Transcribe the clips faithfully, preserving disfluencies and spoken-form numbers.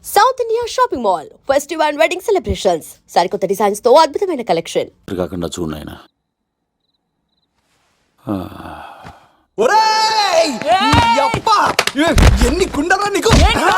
South India shopping mall festival and wedding celebrations సరికొత్త designs తో అద్భుతమైన కలెక్షన్. కాకుండా చూడైనా ఎన్ని గుండెలరా నీకు?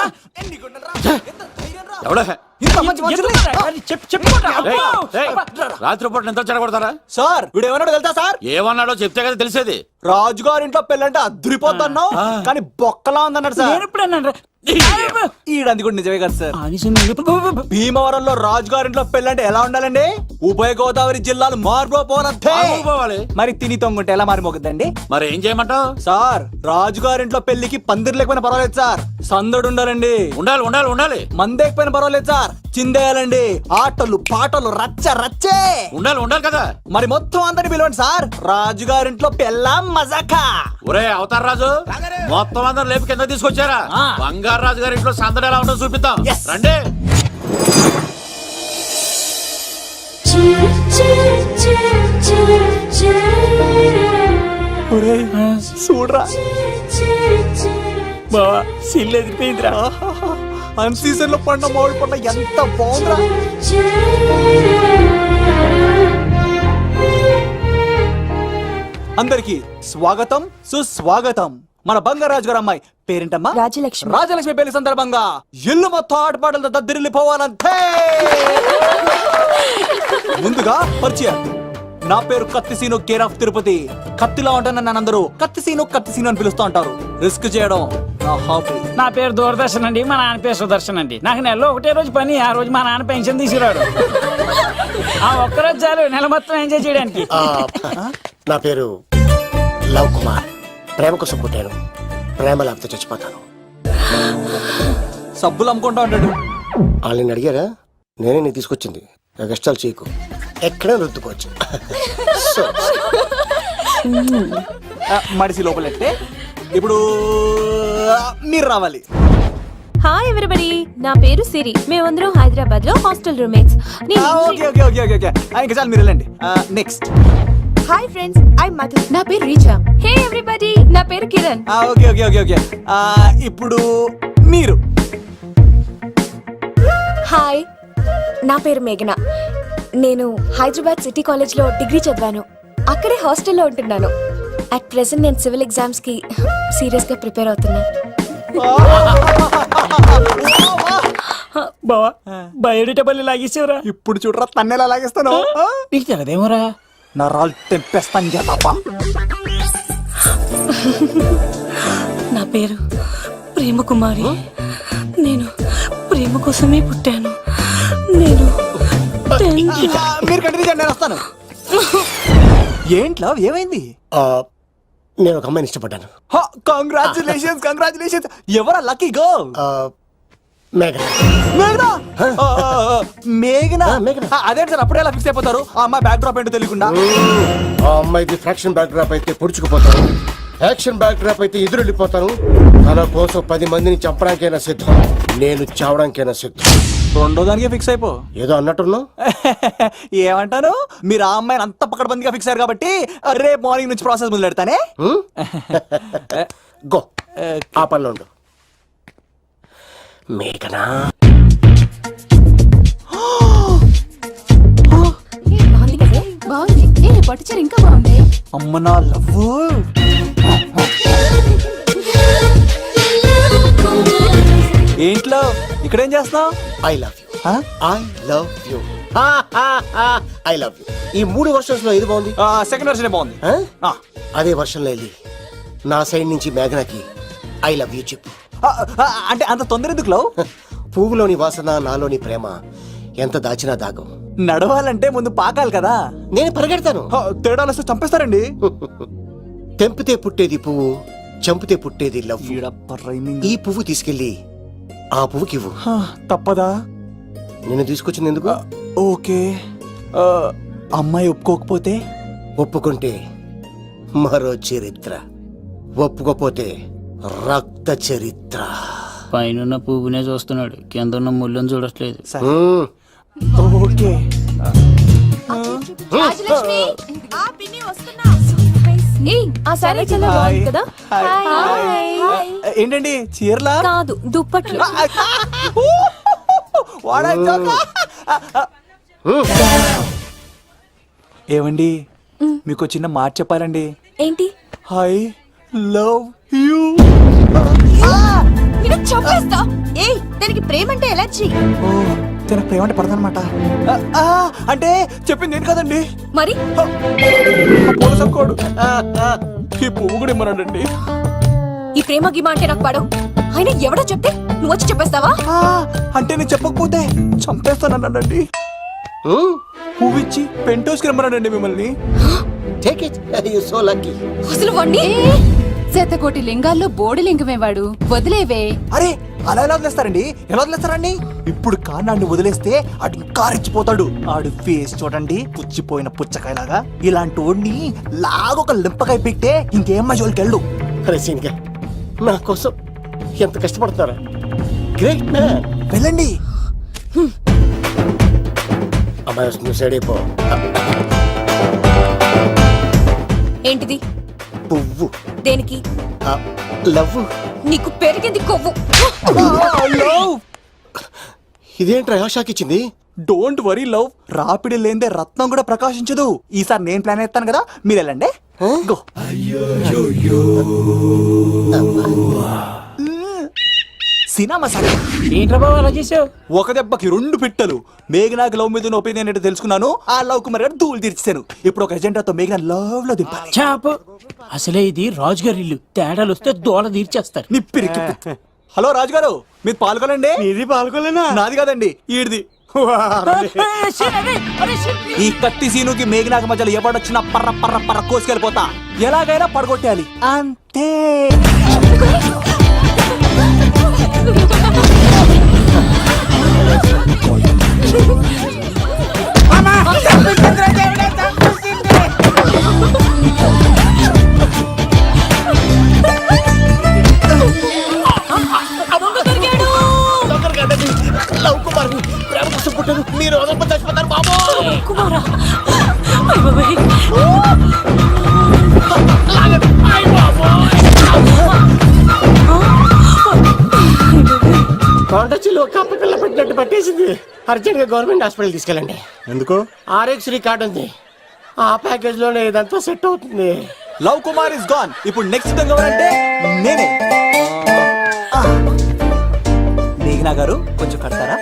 రాత్రిపూట ఎంత చెడగొడతారా సార్ వీడు ఏమన్నాడు తెలుసా సార్? ఏమన్నాడో చెప్తే కదా తెలిసేది. రాజుగారి ఇంట్లో పెళ్ళంటే అద్దరిపోతున్నావు కానీ బొక్కలా ఉందన్నాడు సార్. ఈడంది కూడా నిజమే కదా సార్. భీమవరంలో రాజుగారింట్లో పెళ్ళంటే ఎలా ఉండాలండి? ఉభయ గోదావరి జిల్లాలు మారిపోవాలి. మరి తిని తొంగుంటే ఎలా మారిపోతుందండి? మరి ఏం చేయమంటావు సార్? రాజుగారింట్లో పెళ్లికి పందిరి లేకపోయినా పర్వాలేదు సార్, సందడు ఉండాలండి. ఉండాలి ఉండాలి ఉండాలి. మందేకపోయినా పర్వాలేదు సార్, చిందేయాలండి. ఆటలు పాటలు రచ్చ రచ్చే ఉండాలి ఉండాలి కదా. మరి మొత్తం అందరిని పిలవండి సార్, రాజుగారింట్లో పెళ్ళాం మజాకా. ఒరే అవతార్ రాజు, మొత్తం అందరు లేపు కింద తీసుకొచ్చారా? బంగారు రాజు గారి ఇంట్లో సందడి ఎలా ఉంటుందో చూపిద్దాం రండి. చూడరా బావా సిల్లు ఎదిరిపోయిందిరా. అన్ సీజన్ లో పండ మామిడి పండ ఎంత బాగుందిరా. అందరికి స్వాగతం సుస్వాగతం. మన బంగారాజు గారు అమ్మాయి పేరేంటమ్మా? రాజలక్ష్మి. రాజలక్ష్మి పెళ్లి సందర్భంగా ఇల్లు మొత్తం ఆటపాటలతో దద్దరిల్లిపోవాలంతే. ముందుగా పరిచయం. నా పేరు కత్తిసీను, కేర్ ఆఫ్ తిరుపతి. కత్తిలా ఉంటాను నన్ను అందరూ కత్తిసీను కత్తిసీను అని పిలుస్తూ ఉంటారు. రిస్క్ చేయడం నా హాబీ. నా పేరు దూరదర్శన్ అండి, మా నాన్న పేరు సుదర్శన్ అండి. నాకు నెలలో ఒకటే రోజు పని, ఆ రోజు మా నాన్న పెన్షన్ తీసుకురాడు. ఆ ఒక్కరోజు చాలు నెల మొత్తం ఎంజాయ్ చేయడానికి. నా పేరు లవ్ కుమార్. ప్రేమ కోసం పుట్టాను, ప్రేమ లేకపోతే చచ్చిపోతాను. సబ్బులు అమ్ముకుంటా ఉంటాడు. వాళ్ళని అడిగారా? నేనే నీకు తీసుకొచ్చింది. కష్టాలు చేయకు, ఎక్కడ రుద్దుకోవచ్చు. మడిసి లోపలెట్టే. ఇప్పుడు మీరు రావాలి. హాయ్ ఎవ్రీబడి, నా పేరు సిరి. మేమందరం హైదరాబాద్ లో hostel roommates. Okay okay okay okay okay ఇంకా చాలు, మీరు వెళ్ళండి. Next. Hi friends, I Madhu. నా పేరు రీచా. హే ఎవ్రీబడి, నా పేరు Kiran. Okay okay okay okay ఇప్పుడు మీరు. హాయ్, నా పేరు మేఘన. నేను హైదరాబాద్ సిటీ కాలేజ్ లో డిగ్రీ చదివాను. అక్కడే హాస్టల్లో ఉంటున్నాను. అట్ ప్రెసెంట్ నేను సివిల్ ఎగ్జామ్స్ కి సీరియస్ గా ప్రిపేర్ అవుతున్నా. బావా బయోడేటా పల్లి లాగేసేవరా. ఇప్పుడు చూడరా తన్నెలా లాగేస్తాను. నీకు తెగదేమోరా. నా రాళ్ళు తెంపేస్తాను చెప్పా. నా పేరు ప్రేమ కుమారి. నేను ప్రేమ కోసమే పుట్టాను. నేను మీరు కంటిన్యూ చేయండి, నేను వస్తాను. ఏంట్లో ఏమైంది? నేను ఒక అమ్మాయిని ఇష్టపడ్డాను. Congratulations congratulations. ఎవరా లక్కీ గర్ల్? మేఘన. మేఘనా? మేఘనా? మేఘనా. అదే సార్, అప్పుడే ఎలా ఫిక్స్ అయిపోతారు? ఆ అమ్మాయి బ్యాక్ డ్రాప్ ఏంటో తెలియకుండా. ఆ అమ్మాయిది ఫ్రాక్షన్ బ్యాక్ డ్రాప్ అయితే పొడుచుకుపోతాను, యాక్షన్ బ్యాక్ డ్రాప్ అయితే ఎదురు వెళ్ళిపోతాను. తన కోసం పది మందిని చంపడానికైనా సిద్ధం, నేను చావడానికైనా సిద్ధం. రెండో దానికి ఫిక్స్ అయిపో. ఏదో అన్నట్టున్నావు. ఏమంటాను? మీరు ఆ అమ్మాయిని అంత పకడ్బందీగా ఫిక్స్ అయ్యారు కాబట్టి రేపు మార్నింగ్ నుంచి ప్రాసెస్ మొదలు పెడతానే. గో, ఆ పనిలో ఉండు. మేఘనా. బాగుంది, పట్టుచారు ఇంకా బాగుంది. అమ్మ నా లవ్. ఏంట్లో ఇక్కడేం చేస్తున్నావు? I love you. I love you. I love you. ఈ మూడు వర్షన్స్ లో ఏది బాగుంది? సెకండ్ వర్షన్ బాగుంది. అదే వర్షన్ లో వెళ్ళి నా సైడ్ నుంచి మేఘనాకి ఐ లవ్ యూ చెప్పు. అంటే అంత తొందర ఎందుకు లవ్? పువ్వులోని వాసన, నాలోని ప్రేమ ఎంత దాచినా దాగం. నడవాలంటే ముందు పాకాలి కదా. నేను పరిగెడతాను. తేడాలు వస్తే చంపేస్తారండి. తెంపితే పుట్టేది పువ్వు, చంపితే పుట్టేది లవ్. ఈ పువ్వు తీసుకెళ్ళి ఆ పువ్వుకి ఇవ్వు. తప్పదా? నిన్ను తీసుకొచ్చింది ఎందుకు? ఓకే. అమ్మాయి ఒప్పుకోకపోతే? ఒప్పుకుంటే మరో చరిత్ర, ఒప్పుకోపోతే రక్త చరిత్ర. పైన పువ్వునే చూస్తున్నాడు, కింద ఉన్న ముళ్ళని చూడట్లేదు. ఓకే. ఆ సారీ చాలా బాగుంది కదా. ఏంటండి చీరలా? కాదు, దుప్పట్లు. వాడా జోకా? ఏమండి మీకు చిన్న మాట చెప్పాలండి. ఏంటి? I love you. నేను చంపేస్తా. ఏయ్, దానికి ప్రేమ అంటే ఎలర్జీ. ఓ తన ప్రేమ అంటే పడదనమాట. అంటే చెప్పింది ఏంటి కదండి. మరి కోడు ఈ పువ్వు కూడా ఇమ్మన్నాడండి. ఈ ప్రేమ గిమ అంటే నాకు పడవు. అయినా ఎవడో చెప్తే నువ్వు వచ్చి చెప్పేస్తావా? ఆ, అంటే నేను చెప్పకపోతే చంపేస్తానన్నాడండి. పువ్వు ఇచ్చి పెంటోస్కి రమ్మన్నాడండి మిమ్మల్ని. Take it you so lucky. అసలు వాణ్ణి శతకోటి లింగాల్లో బోడి లింగమే వాడు, వదిలేవే. అరే అలా ఎలా వదిలేస్తారండి? ఎలా వదిలేస్తారండి? ఇప్పుడు కాన్నాడిని వదిలేస్తే ఆడు ఇంకా రెచ్చిపోతాడు. ఆడు ఫేస్ చూడండి, పుచ్చిపోయిన పుచ్చకాయలాగా. ఇలాంటి వాడిని లాగొక లింపకాయ పెట్టే ఇంకేం మజోలికి వెళ్ళు. అరే సీన్గా నా కోసం ఎంత కష్టపడతారా? Great man. వెళ్ళండి. అమ్మాయి వస్తుంది, సైడ్ అయిపో. ఏంటిది? పువ్వు. దేనికి? లవ్. నీకు పెరిగింది కొవ్వు. లవ్. ఇదేంట్రా షాక్ ఇచ్చింది? Don't worry love. రాపిడి లేదే రత్నం కూడా ప్రకాశించదు. ఈసారి నేను ప్లాన్ ఎత్తాను కదా, మీరు వెళ్ళండి. గో. సినిమా సార్ ఏంట్రా బాబు అలా చేసావు? ఒక దెబ్బకి రెండు పిట్టలు. మేఘనాకి లవ్ మీద ఒపీనియన్ ఏంటో తెలుసుకున్నాను. ఆ లవ్ కుమార్ గారు ధూళి తీర్చాను. ఇప్పుడు ఒక ఎజెండాతో మేఘనా లవ్ లో దింపాలి. చాపు. అసలే ఇది రాజుగారి ఇల్లు, తేడాలు వస్తే దోళ తీర్చేస్తారు. నిప్పిరికి. హలో రాజుగారు, మీరు పాల్గొనండి. ఇది పాల్గొలేనా? నాది కాదండి, ఈడిది. ఈ కత్తి సీనుకి మేఘనాకి మధ్యలో ఎవడొచ్చినా పర్ర పర్ర పర్ర కోసుకెళ్ళిపోతా. ఎలాగైనా పడగొట్టాలి అంతే. లవ్ కుమార్ ప్రేమ కోసం పుట్టారు. మీరు వదలప చచ్చిపోతారు బాబు. కుమారా, అయ్ బాబాయ్. కొండ చిల్లు కప్ప పిల్ల పెట్టినట్టు పట్టేసింది. అర్జెంట్ గా గవర్నమెంట్ హాస్పిటల్ తీసుకెళ్ళండి. ఎందుకు? ఆర్ఎక్స్ కార్డు ఉంది, ఆ ప్యాకేజ్ లోనే ఇదంతా సెట్ అవుతుంది. Love Kumar is gone. ఇప్పుడు నెక్స్ట్ దొంగ ఎవరంటే నేనే. ఆ. మేఘనా గారు కొంచెం కడతారా?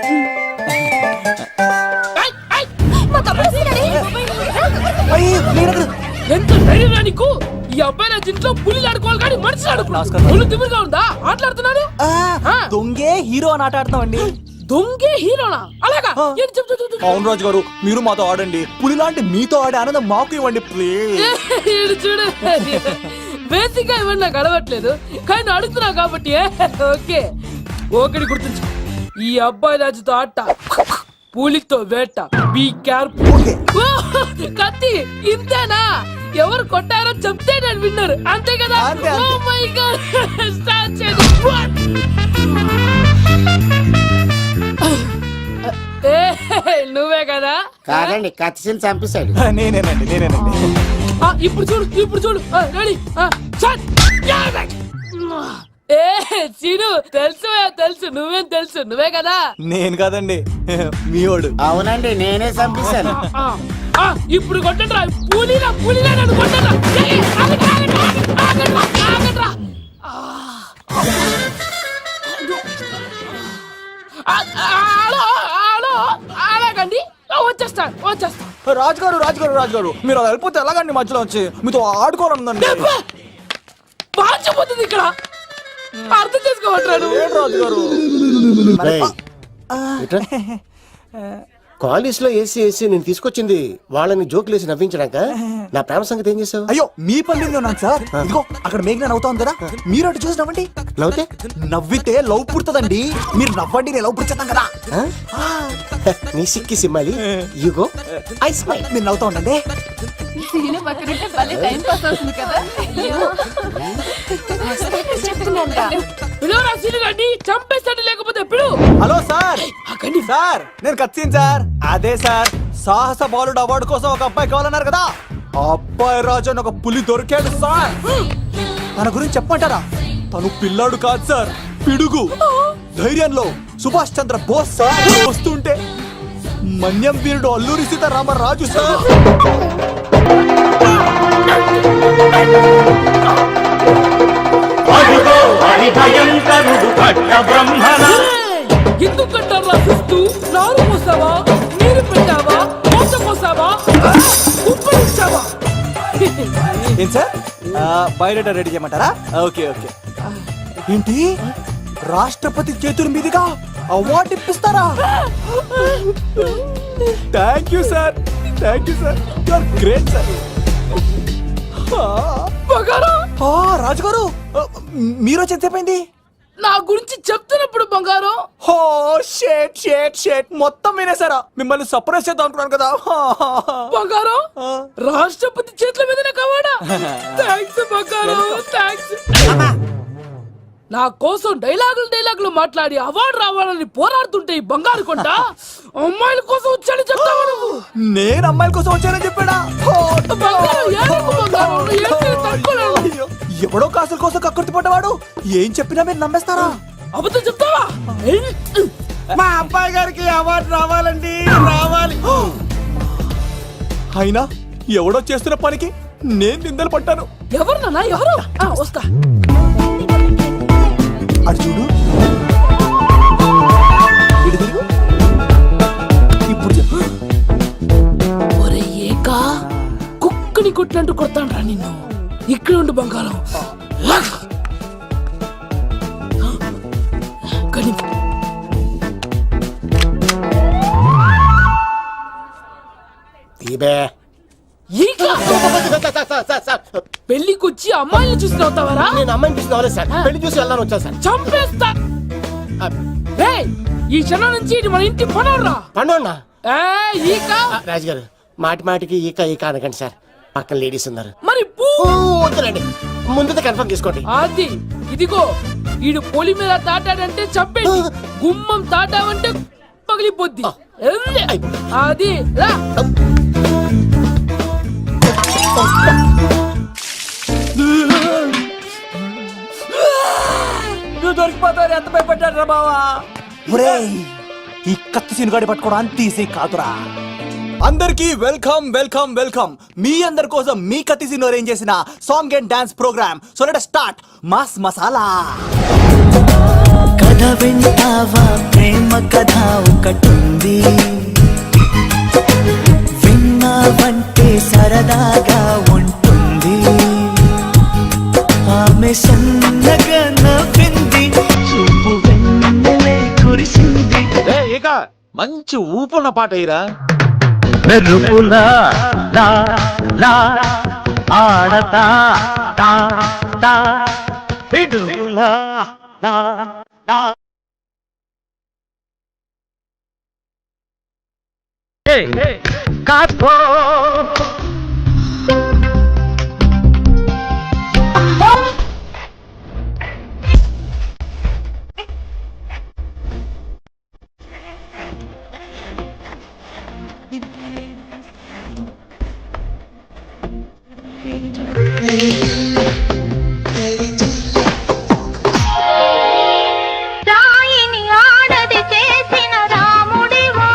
మా తమ్ముడు వస్తున్నాడే. అయ్యి, మేఘనా గారు. ఎంత ధైర్యం నీకు? ఈ అబ్బాయి నా ఇంట్లో పులిలు ఆడుకోవాలి కానీ మనిషి ఆడుకో. నమస్కారం. పులి తిమ్మిరిగా ఉందా? ఆటలాడుతున్నాడు. ఆ, దొంగే హీరో అని ఆట ఆడుతున్నామండి. దొంగే హీరోనా? అలాగా? ఆ. ఏంటి చెప్పు, చెప్పు, చెప్పు. అవును రాజు గారు, మీరు మాతో ఆడండి. పులి లాంటి మీతో ఆడే ఆనందం మాకు ఇవ్వండి ప్లీజ్. ఈడు చూడు, బేసిక్ గా ఇవన్నీ నాకు అడవట్లేదు కానీ అడుగుతున్నా కాబట్టి ఓకే. ఒకటి గుర్తుంచు, ఈ అబ్బాయి రాజుతో ఆట, పులితో వేట. Be careful. కత్తి ఇంతేనా? ఎవరు కొట్టారో చెప్తే నేను విన్నారు, అంతే కదా? అంతే, అంతే. ఓ మై గాడ్, స్టార్ట్ చేయండి. ఏ, నువ్వే కదా? కాదండి, కత్తిసీలు చంపేశాడు. నేనేనండి నేనేనండి. ఆ, ఇప్పుడు చూడు, ఇప్పుడు చూడు. రెడీ. ఏ సీను, తెలుసు తెలుసు, నువ్వేం తెలుసు, నువ్వే కదా? నేను కాదండి, మీ వాడు. అవునండి, నేనే చంపేశాను. ఆ, ఆ, ఇప్పుడు కొట్టండిరా. పూలీరా పూలీరా నన్ను కొట్టండిరా. ఏయ్, ఆగండి, ఆగండి, ఆగండి, ఆగండిరా, ఆగండిరా. ఆ. ఆ, ఆ, హలో హలో, అలాగండి, వచ్చేస్తాను వచ్చేస్తాను. రాజుగారు రాజుగారు రాజుగారు, మీరు అలా వెళ్ళిపోతే ఎలాగండి? మధ్యలో వచ్చి మీతో ఆడుకోవాలనుందండి. పాచిపోతుంది ఇక్కడ, అర్థం చేసుకోవట్రాడు. రాజుగారు కాలేజ్ లో ఏసీ ఏసీ నేను తీసుకొచ్చింది వాళ్ళని జోకులేసి నవ్వించడాక. నా ప్రేమ సంగతి ఏం చేసావు? అయ్యో, మీ పల్లెల్లో నాకు సార్. ఇదిగో అక్కడ మేఘన నవ్వుతా ఉంది కదా, మీరు అటు చూసి నవ్వండి. నవ్వుతే నవ్వితే లవ్ పుడుతుందండి. మీరు నవ్వండి, నేను లవ్ పుడిచేస్తాం కదా. నీ సిక్కి సిమ్మాలి. యుగో ఐ స్మైల్. మీరు నవ్వుతా ఉండండి. సీను పక్కనుంటే భలే టైం పాస్ అవుతుంది కదా. చెప్తున్నాను. పిలువరా సీను గారిని, చంపేస్తాడు లేకపోతే పిలు. Hello sir. సార్ నేను కత్తిన్ సార్. అదే సార్, సాహస బాలుడు అవార్డు కోసం ఒక అబ్బాయి కావాలన్నారు కదా. ఆ అబ్బాయి రాజు అని ఒక పులి దొరికాడు సార్. తన గురించి చెప్పమంటారా? తను పిల్లాడు కాదు సార్, పిడుగు. ధైర్యంలో సుభాష్ చంద్ర బోస్ సార్ వస్తుంటే మన్యం వీరుడు అల్లూరి సీతారామరాజు సార్ ఎందుకు కట్టారా చూస్తూ నారు పోసావా నీరు పెట్టావా మోస పోసావా ఉప్పరించావా ఏం సార్ బయోడేటా రెడీ చేయమంటారా ఓకే ఓకే ఏంటి రాష్ట్రపతి చేతుల మీదుగా అవార్డు ఇప్పిస్తారా thank you sir thank you sir you are great sir బంగారం రాజుగారు మీరు చెప్పండి నా గురించి చెప్తున్నప్పుడు బంగారం హో షేట్ షేట్ షేట్ మొత్తం వినేసారా మిమ్మల్ని సర్ప్రైజ్ చేద్దాం అనుకున్నాను కదా బంగారం రాష్ట్రపతి చేతుల మీద కావాడా థ్యాంక్స్ బంగారం థ్యాంక్స్ నా కోసం డైలాగులు డైలాగులు మాట్లాడి అవార్డు రావాలని పోరాడుతుంటే ఈ బంగారు కొండ అమ్మాయిల కోసం వచ్చాడని చెప్తావా నువ్వు నేను అమ్మాయిల కోసం వచ్చానని చెప్పాడా బంగారం ఏడుపు బంగారం ఏడ్చేది తట్టుకోలేను. అయ్యో, ఎవడో కాసుల కోసం కక్కుర్తి పడ్డవాడు ఏం చెప్పినా మీరు నమ్మేస్తారా అబద్ధం చెప్తావా మా అబ్బాయి గారికి అవార్డు రావాలండి రావాలి. అయినా ఎవడో చేస్తున్న పనికి నేను నిందలు పట్టాను ఎవరు నాన్న ఎవరు ఆ, వస్తా అటు చూడు ఇటు తిరుగు. ఇప్పుడు చెప్పు ఒరే ఏకా కుక్కని కొట్టినట్టు కొడతాను రా నిన్ను ఇక్కడ ఉండు బంగారం కానీ తీబే ఈకా పెళ్లికొచ్చి అమ్మాయిని చూసి నవ్వుతావరా నేను అమ్మాయిని చూసి రాలేదు సార్ పెళ్లి చూసి వెళ్ళాలని వచ్చాను సార్ చంపేస్తా రేయ్, ఈ క్షణం నుంచి ఇది మన ఇంటి పనరా పండున్నా ఈకా రాజుగారు మాటి మాటికి ఈక ఈక అనకండి సార్ పక్కన లేడీస్ ఉన్నారు మరి పూ ఓ, వద్దులేండి ముందు కన్ఫర్మ్ చేసుకోండి అది ఇదిగో ఈడు పొలి మీద తాటాడంటే చంపేసి గుమ్మం తాటావంటే పగిలిపోద్ది ఎల్లే. అది రా నువ్వు దొరికిపోతావు ఎంత భయపడ్డాడు రా బావా ఒరేయ్, ఈ కత్తి సినుగాడి పట్టుకోవడం తీసి కాదురా అందరికి వెల్కమ్ వెల్కమ్ వెల్కమ్ మీ అందరి కోసం మీ కత్తి సిను అరేంజ్ చేసిన song and dance program so let start mass masala కథ వింటావా ప్రేమ కథ ఒకటుంది విన్నావంటే సరదాగా ఉంటుంది ఆమె సన్నగా నవ్వింది చూపు వెన్నెలే కురిసింది ఇక మంచి ఊపున్న పాట అయ్యిరా మెరుపులా లా లా ఆడతా తా తా పిడుగులా లా లా హే కాపో రాయిని ఆడది చేసిన రాముడివా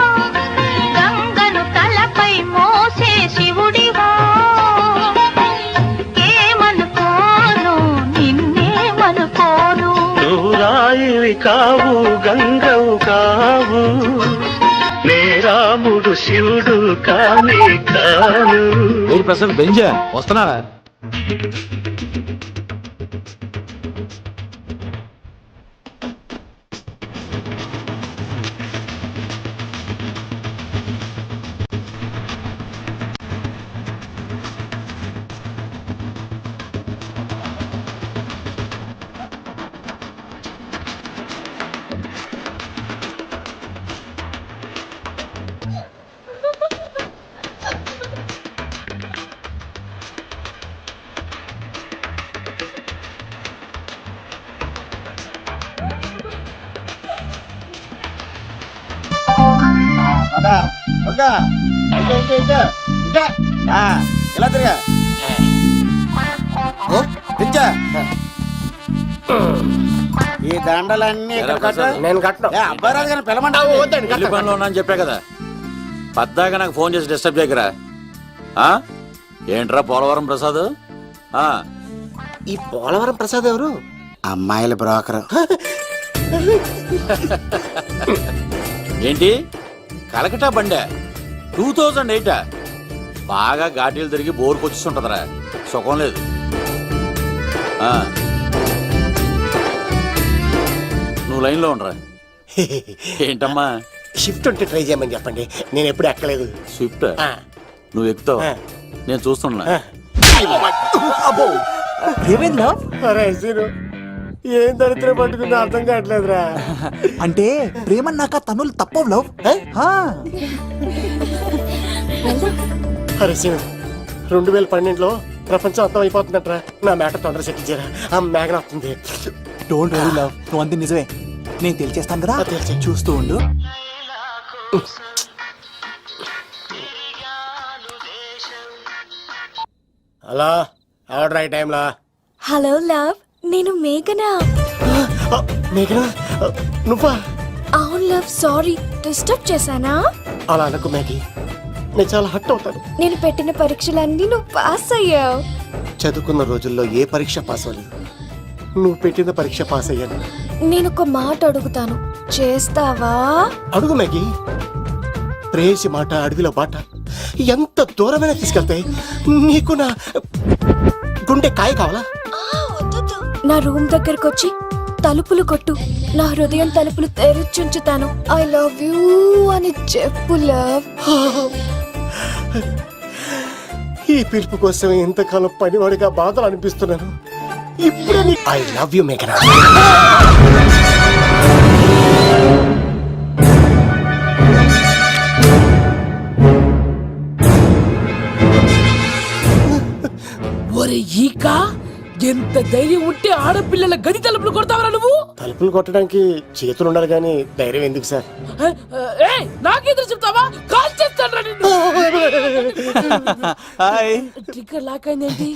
గంగను తలపై మోసే శివుడివా ఏమనుకోను నిన్నేమనుకోను నువ్వు రాయివి కావు గంగవు కావు నే రాముడు శివుడు కానే కాను ఊరు ప్రసాద్ బెంజా వస్తున్నారా ఇలా తిరగా ఈ దండలన్నీ ఇక్కడ కట్టు. నేను కట్టను అబ్బాయి రాజు గారిని పిలమంటావు పెళ్లి పనిలో ఉన్నా అని చెప్పా కదా పద్దాక నాకు ఫోన్ చేసి డిస్టర్బ్ చేయకరా ఆ? ఏంట్రా పోలవరం ప్రసాద్ ఆ ఈ పోలవరం ప్రసాద్ ఎవరు అమ్మాయిల బ్రోకర్ ఏంటి కలకటా బండే టూ థౌజండ్ ఎయిటా బాగా ఘాటీలు తిరిగి బోర్కి వచ్చిస్తుంటదిరా సుఖం లేదు ఆ. నువ్వు లైన్లో ఉండరా ఏంటమ్మా షిఫ్ట్ ఉంటే ట్రై చేయమని చెప్పండి నేను ఎప్పుడు ఎక్కలేదు స్విఫ్ట్ ఆ. నువ్వు ఎక్కుతావు ఆ. నేను చూస్తున్నా అబ్బో ఏమైంది లవ్ అరే సీను, ఏం దరిద్రం పట్టుకుందో అర్థం కావట్లేదురా అంటే ప్రేమన్నాక తనులు తప్పవు లవ్ అరే సీను, రెండు వేల పన్నెండులో ప్రపంచం అర్థం అయిపోతుందట్రా నా మేక తొందర సెటిల్ చేయరా ఆ మేఘన వస్తుంది డోంట్ వరీ లవ్ నువ్వు అంతే నిజమే నేను తెలిచేస్తాను కదా ఆ, తెలిసే. చూస్తూ ఉండు hello order right టైంలా hello love నేను మేఘనా. మేఘన నువ్వా అవును లవ్, సారీ డిస్టర్బ్ చేశానా? అలా అనకు మేఘి, నేను చాలా హట్ అవుతాను. నేను పెట్టిన పరీక్షలన్నీ నువ్వు పాస్ అయ్యావు. చదువుకున్న రోజుల్లో ఏ పరీక్ష పాస్ అవ్వలేదు, నువ్వు పెట్టిన పరీక్ష పాస్ అయ్యాను. నేను ఒక మాట అడుగుతాను, చేస్తావా? అడుగు మేఘి. ప్రేయసి మాట అడవిలో బాట ఎంత దూరమైనా తీసుకెళ్తాయి. నీకు నా గుండె కాయ కావాలా? నా రూమ్ దగ్గరకు వచ్చి తలుపులు కొట్టు, నా హృదయం తలుపులు తెరిచుంచుతాను. ఐ లవ్ యూ అని చెప్పు లవ్. ఈ పిలుపు కోసం ఇంతకాలం పనివాడిగా బాధలు అనిపిస్తున్నాను. ఇప్పుడు ఐ లవ్ యూ మేఘనా. ఒరే ఈక, ఎంత ధైర్యం ఉంటే ఆడపిల్లల గది తలుపులు కొడతావరా నువ్వు? తలుపులు కొట్టడానికి చేతులు ఉండాలి కానీ ధైర్యం ఎందుకు సార్? ఏయ్, నాకెదురు చెప్తావా? కాల్ చేస్తాను నిన్ను. హాయ్ ట్రిగ్గర్ లాక్ అయిందేంటి?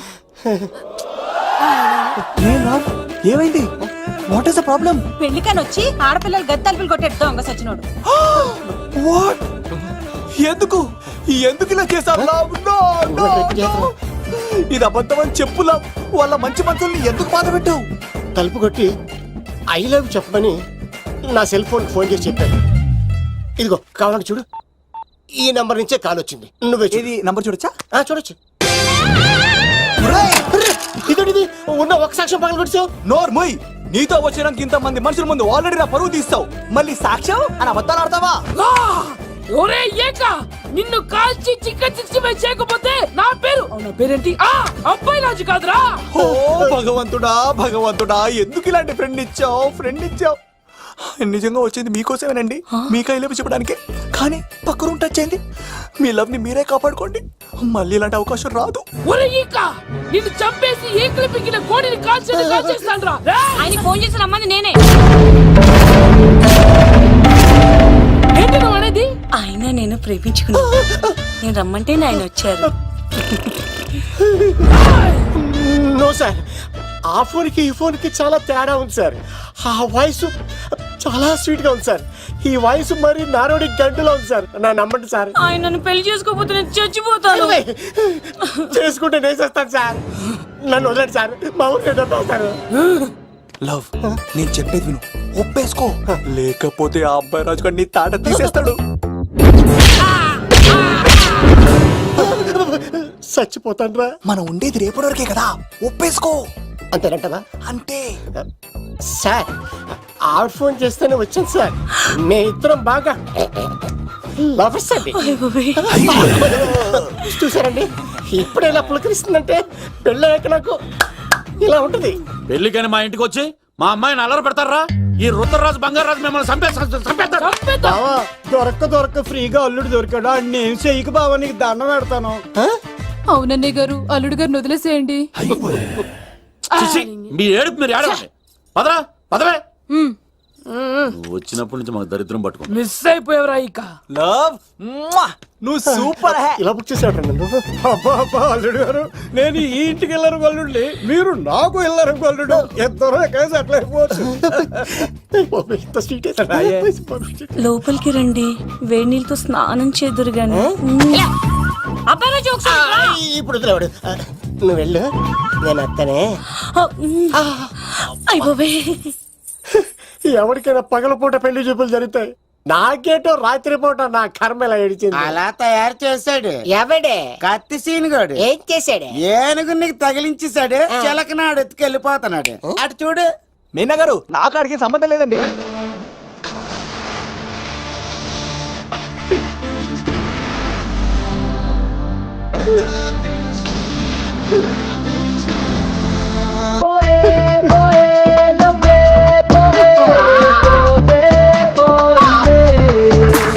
ఏమైంది వాట్ ఇస్ ద ప్రాబ్లం? పెళ్లికని వచ్చి ఆడపిల్లలు గది తలుపులు కొట్టేడు దొంగ సచ్చినోడు. వాట్ ఎందుకు ఎందుకు ఇలా చేశారు లవ్? నో నో ఇది అబద్ధం అని చెప్పు లవ్. వాళ్ళ మంచి మనసుల్ని ఎందుకు బాధ పెట్టావు? తలుపు కొట్టి ఐ లవ్ చెప్పమని నా సెల్ ఫోన్ ఫోన్ చేసి చెప్పాను. ఇదిగో కావాలంటే చూడు, ఈ నంబర్ నుంచే కాల్ వచ్చింది. నువ్వే చూడు. ఇది నంబర్ చూడొచ్చా? ఆ, చూడొచ్చు. ఇదేంటిది? ఉన్న ఒక సాక్ష్యం పగల కొట్టావు. నోర్ ముయ్, నీతో వచ్చినాక ఇంత మంది మనుషుల ముందు ఆల్రెడీ నా పరువు తీస్తావు, మళ్ళీ సాక్ష్యం అని అబద్ధాలు ఆడతావా? ఒరే ఏక, నిన్ను కాల్చి చికెన్ సిక్స్టీ ఫైవ్ చేయకపోతే నా పేరు నా పేరేంటి? ఆ అబ్బాయి రాజు కాదురా. ఓ భగవంతుడా భగవంతుడా, ఎందుకు ఇలాంటి ఫ్రెండ్ ఇచ్చావు ఫ్రెండ్ ఇచ్చావు? నిజంగా వచ్చింది మీకోసమేనండి, మీకు ఐ లవ్ చెప్పడానికే. కానీ పక్క రూమ్ టచ్ అయింది. మీ లవ్ ని మీరే కాపాడుకోండి, మళ్ళీ ఇలాంటి అవకాశం రాదు. ఒరే ఈక, నిన్ను చంపేసి ఏకలు పిగిన కోడిని కాల్చేది కాల్చేస్తాను రా. ఆయన ఫోన్ చేసి రమ్మని నేనే. ఏంటి నువ్వు అనేది? ఆయన నేను ప్రేమించుకున్నా, నేను రమ్మంటే ఆయన వచ్చారు. నో సార్, ఆ ఫోన్ కి ఈ ఫోన్ కి చాలా తేడా ఉంది సార్. ఆ వాయిస్ చాలా స్వీట్ గా ఉంది సార్. ఈ వాయిస్ మరి నారోడి గంటలో ఉంది సార్. నా నమ్మండి సార్. ఆయన నన్ను పెళ్లి చేసుకోకపోతే నేను చచ్చిపోతాను. చేసుకుంటే నేను చేస్తాను సార్. నన్ను వదలండి సార్, మా ఊరికి సార్. లవ్ నేను చెప్పేది విను, ఒప్పేసుకో, లేకపోతే ఆ అబ్బాయి రాజు గారు నీ తాట తీసేస్తాడు. చచ్చిపోతాను రా. మనం ఉండేది రేపటి వరకే కదా, ఒప్పేసుకో. అంతేనంటదా? అంతే సార్, ఆవిడ ఫోన్ చేస్తేనే వచ్చాను సార్. మే ఇద్దరం బాగా లవర్స్ అండి. చూసారండి, ఇప్పుడు ఇలా పులకరిస్తుందంటే పెళ్ళయ్యాక నాకు ఇలా ఉంటది. పెళ్లికని మా ఇంటికి వచ్చి మా అమ్మాయిని అల్లరి పెడతారా? ఈ రుద్రరాజు బంగారాజు మిమ్మల్ని చంపేస్తారు చంపేస్తారు. బావా, దొరక్క దొరక్క ఫ్రీగా అల్లుడు దొరికాడు, నేను చెయ్యికి బావా నీకు దండం పెడతాను. అవునన్నయ్య గారు, అల్లుడు గారిని వదిలేసేయండి. చిచి, మీ ఏడుపు మీరు ఏడవండి. పదరా పదవే. నువ్వు వచ్చినప్పటి నుంచి మాకు దరిద్రం పట్టుకుంది. మిస్ అయిపోయావురా ఇక. లవ్ నువ్వు సూపర్ హే. ఇలా బుక్ చేసాడు నన్ను. అబ్బా అబ్బా అల్లుడు గారు, నేను ఈ ఇంటికి వెళ్ళరు గల్లుండి, మీరు నాకు వెళ్ళరు గల్లుడు. ఎంతరో కేసు అట్లా అయిపోవచ్చు. ఇంత స్వీట్ లోపలికి రండి, వేడి నీళ్ళతో స్నానం చేదురు గాని. ఇప్పుడు వదిలేవాడు. నువ్వు వెళ్ళు, నేను అత్తనే. అయిపోవే. ఎవరికైనా పగలపూట పెళ్లి చూపులు జరుగుతాయి, నాకేటో రాత్రి పూట నా కర్మ ఇలా ఏడిచింది. అలా తయారు చేశాడు ఎవడే కత్తి సీనుగాడు. ఏం చేశాడు? ఏనుగు నీకు తగిలించేశాడు, చిలకనాడు ఎత్తుకెళ్ళిపోతున్నాడు. అటు చూడు. మీనా గారు, నాకు అడిగే సంబంధం లేదండి. ఆ